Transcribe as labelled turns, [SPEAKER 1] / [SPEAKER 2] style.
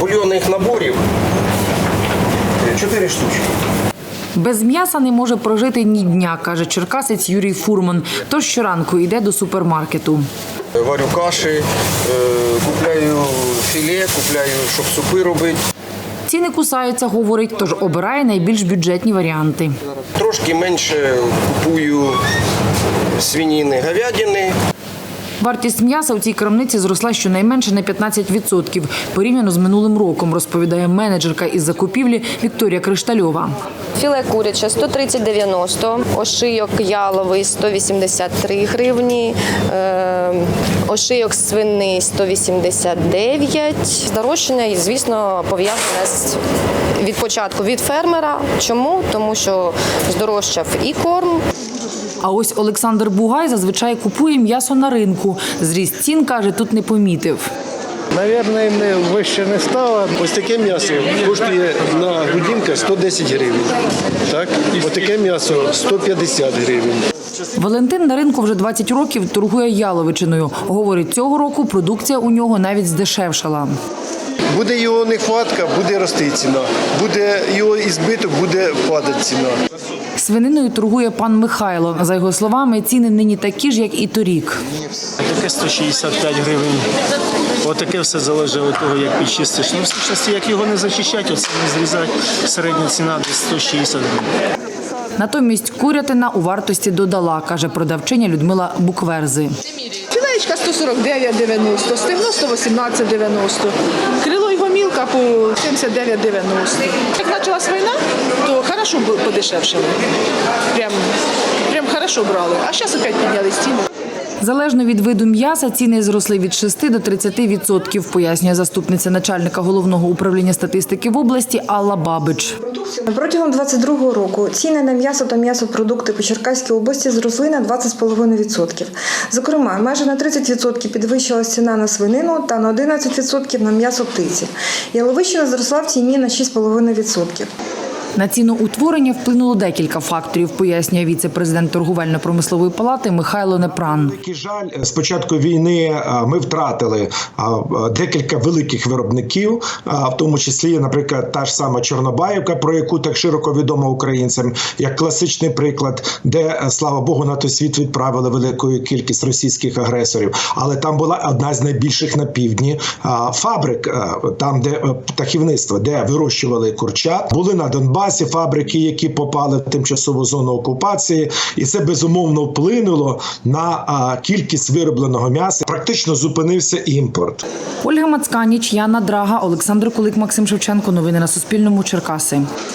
[SPEAKER 1] бульйонних наборів 4 штучки.
[SPEAKER 2] Без м'яса не може прожити ні дня, каже черкасець Юрій Фурман. Тож щоранку йде до супермаркету.
[SPEAKER 1] Варю каші, купляю філе, купляю, щоб супи робити.
[SPEAKER 2] Ціни кусаються, говорить, тож обирає найбільш бюджетні варіанти.
[SPEAKER 1] Трошки менше купую свинини, говядини.
[SPEAKER 2] Вартість м'яса у цій крамниці зросла щонайменше на 15% порівняно з минулим роком, розповідає менеджерка із закупівлі Вікторія Криштальова.
[SPEAKER 3] Філе куряче 130,90, ошийок яловий 183 гривні, ошийок свиний 189. Здорожчання, звісно, пов'язане від початку від фермера. чому? Тому що здорожчав і корм.
[SPEAKER 2] А ось Олександр Бугай зазвичай купує м'ясо на ринку. Зріст цін, каже, тут не помітив.
[SPEAKER 4] Навірно, вище не стало. Ось таке м'ясо коштує на грудинка 110 гривень. Так? Ось таке м'ясо 150 гривень.
[SPEAKER 2] Валентин на ринку вже 20 років торгує яловичиною. Говорить, цього року продукція у нього навіть здешевшала.
[SPEAKER 4] Буде його нехватка, буде рости ціна. Буде його ізбиток, буде падати ціна.
[SPEAKER 2] Свининою торгує пан Михайло. За його словами, ціни нині такі ж, як і торік.
[SPEAKER 5] Таке 165 гривень. Отаке все залежить від того, як підчистиш. Ну, в сущності, як його не зачищати, оце не зрізати, середня ціна десь 160 гривень.
[SPEAKER 2] Натомість курятина у вартості додала, каже продавчиня Людмила Букверзи.
[SPEAKER 6] Філеєчка 149,90, стегно 118,90, крило і гомілка по 79,90. Як почалась війна, то хорошо подешевшали. Прям хорошо брали. А зараз опять підняли ціни.
[SPEAKER 2] Залежно від виду м'яса, ціни зросли від 6 до 30%, пояснює заступниця начальника Головного управління статистики в області Алла Бабич.
[SPEAKER 7] Протягом 2022 року ціни на м'ясо та м'ясопродукти по Черкаській області зросли на 20,5%. Зокрема, майже на 30% підвищилась ціна на свинину та на 11% на м'ясо птиці. Яловичина зросла в ціні на 6,5%.
[SPEAKER 2] На ціноутворення вплинуло декілька факторів, пояснює віце-президент торговельно-промислової палати Михайло Непран.
[SPEAKER 8] Великий жаль, з початку війни ми втратили декілька великих виробників, в тому числі, наприклад, та ж сама Чорнобаївка, про яку так широко відомо українцям, як класичний приклад, де, слава Богу, на той світ відправили велику кількість російських агресорів. Але там була одна з найбільших на півдні фабрик, там, де птахівництво, де вирощували курчат. Були на Донбасі фабрики, які попали в тимчасову зону окупації, і це безумовно вплинуло на кількість виробленого м'яса. Практично зупинився імпорт.
[SPEAKER 2] Ольга Мацканіч, Яна Драга, Олександр Кулик, Максим Шевченко. Новини на Суспільному. Черкаси.